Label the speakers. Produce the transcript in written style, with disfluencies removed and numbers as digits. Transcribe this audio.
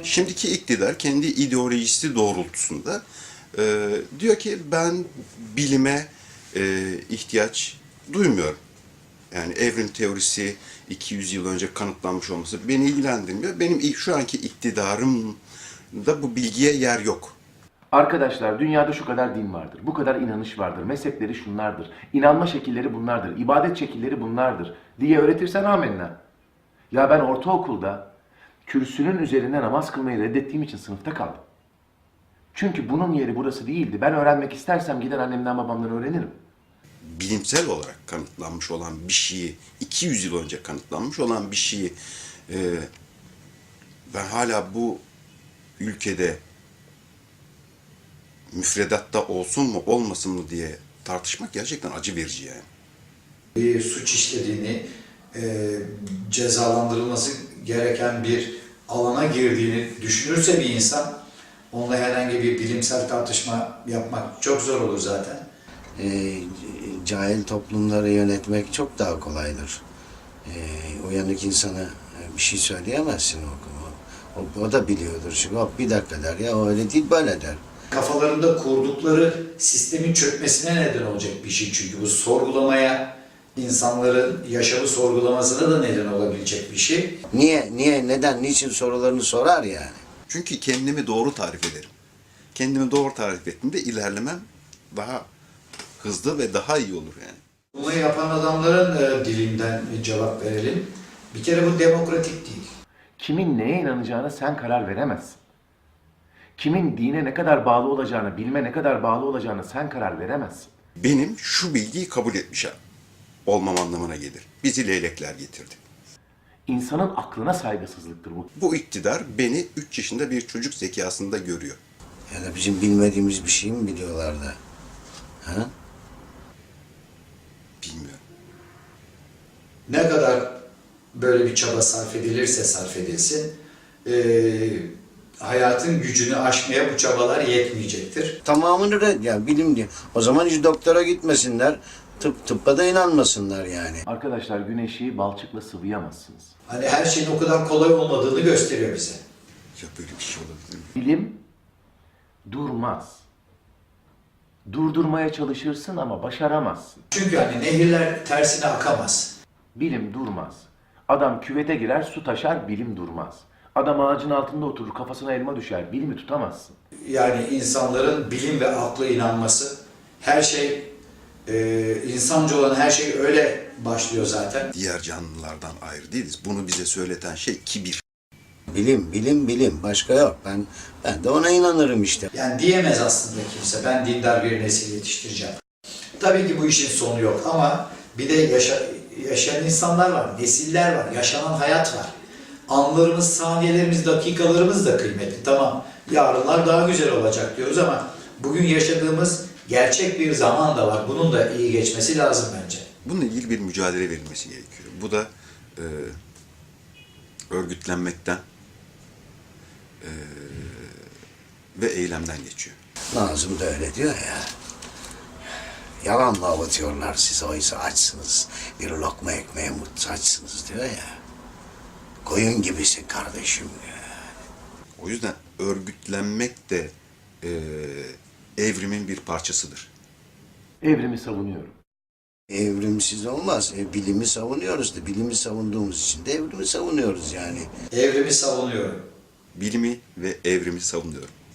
Speaker 1: Şimdiki iktidar kendi ideolojisi doğrultusunda diyor ki ben bilime ihtiyaç duymuyorum. Yani evrim teorisi 200 yıl önce kanıtlanmış olması beni ilgilendirmiyor. Benim şu anki iktidarımda bu bilgiye yer yok.
Speaker 2: Arkadaşlar dünyada şu kadar din vardır, bu kadar inanış vardır, mezhepleri şunlardır, inanma şekilleri bunlardır, ibadet şekilleri bunlardır diye öğretirsen amenna. Ya ben ortaokulda kürsünün üzerinde namaz kılmayı reddettiğim için sınıfta kaldım. Çünkü bunun yeri burası değildi. Ben öğrenmek istersem gider annemden babamdan öğrenirim.
Speaker 1: Bilimsel olarak kanıtlanmış olan bir şeyi, 200 yıl önce kanıtlanmış olan bir şeyi ben hala bu ülkede müfredatta olsun mu olmasın mı diye tartışmak gerçekten acı verici yani.
Speaker 3: Bir suç işlediğini, cezalandırılması gereken bir alana girdiğini düşünürse bir insan, onunla herhangi bir bilimsel tartışma yapmak çok zor olur zaten.
Speaker 4: Cahil toplumları yönetmek çok daha kolaydır. Uyanık insana bir şey söyleyemezsin o da biliyordur. Çünkü bir dakika der ya, o öyle değil böyle der.
Speaker 3: Kafalarında kurdukları sistemin çökmesine neden olacak bir şey çünkü bu sorgulamaya, insanların yaşamı sorgulamasına da neden olabilecek bir şey.
Speaker 4: Niye, neden, niçin sorularını sorar yani.
Speaker 1: Çünkü kendimi doğru tarif ederim. Kendimi doğru tarif ettiğimde ilerlemem daha hızlı ve daha iyi olur yani.
Speaker 3: Bunu yapan adamların dilinden cevap verelim. Bir kere bu demokratik değil.
Speaker 2: Kimin neye inanacağına sen karar veremezsin. Kimin dine ne kadar bağlı olacağını, bilime ne kadar bağlı olacağını sen karar veremezsin.
Speaker 1: Benim şu bilgiyi kabul etmiş olmam anlamına gelir. Bizi leylekler getirdi.
Speaker 2: İnsanın aklına saygısızlıktır bu.
Speaker 1: Bu iktidar beni 3 yaşında bir çocuk zekasında görüyor.
Speaker 4: Ya da bizim bilmediğimiz bir şey mi biliyorlar da? Ha?
Speaker 1: Bilmiyorum.
Speaker 3: Ne kadar böyle bir çaba sarf edilirse sarf edilsin, hayatın gücünü aşmaya bu çabalar yetmeyecektir.
Speaker 4: Tamamını yani bilim diye. O zaman hiç doktora gitmesinler, tıbba da inanmasınlar yani.
Speaker 2: Arkadaşlar güneşi balçıkla sıvayamazsınız.
Speaker 3: Hani her şeyin o kadar kolay olmadığını gösteriyor bize.
Speaker 1: Ya böyle bir şey olabilir mi?
Speaker 2: Bilim durmaz. Durdurmaya çalışırsın ama başaramazsın.
Speaker 3: Çünkü hani nehirler tersine akamaz.
Speaker 2: Bilim durmaz. Adam küvete girer, su taşar, bilim durmaz. Adam ağacın altında oturur, kafasına elma düşer, bilimi tutamazsın.
Speaker 3: Yani insanların bilim ve akla inanması, her şey, insancı olan her şey öyle başlıyor zaten.
Speaker 1: Diğer canlılardan ayrı değiliz. Bunu bize söyleten şey kibir.
Speaker 4: Bilim. Başka yok. Ben de ona inanırım işte.
Speaker 3: Yani diyemez aslında kimse, ben dindar bir nesil yetiştireceğim. Tabii ki bu işin sonu yok ama bir de yaşayan insanlar var, nesiller var, yaşanan hayat var. Anlarımız, saniyelerimiz, dakikalarımız da kıymetli. Tamam, yarınlar daha güzel olacak diyoruz ama bugün yaşadığımız gerçek bir zaman da var. Bunun da iyi geçmesi lazım bence.
Speaker 1: Bununla ilgili bir mücadele verilmesi gerekiyor. Bu da örgütlenmekten ve eylemden geçiyor.
Speaker 4: Nazım da öyle diyor ya. Yalanla avutuyorlar sizi, oysa açsınız. Bir lokma ekmeğe muhtaçsınız diyor ya. Koyun gibisin kardeşim diyor.
Speaker 1: O yüzden örgütlenmek de evrimin bir parçasıdır.
Speaker 2: Evrimi savunuyorum.
Speaker 4: Evrimsiz olmaz. Bilimi savunuyoruz da, bilimi savunduğumuz için de evrimi savunuyoruz yani.
Speaker 3: Evrimi savunuyorum.
Speaker 1: Bilimi ve evrimi savunuyorum.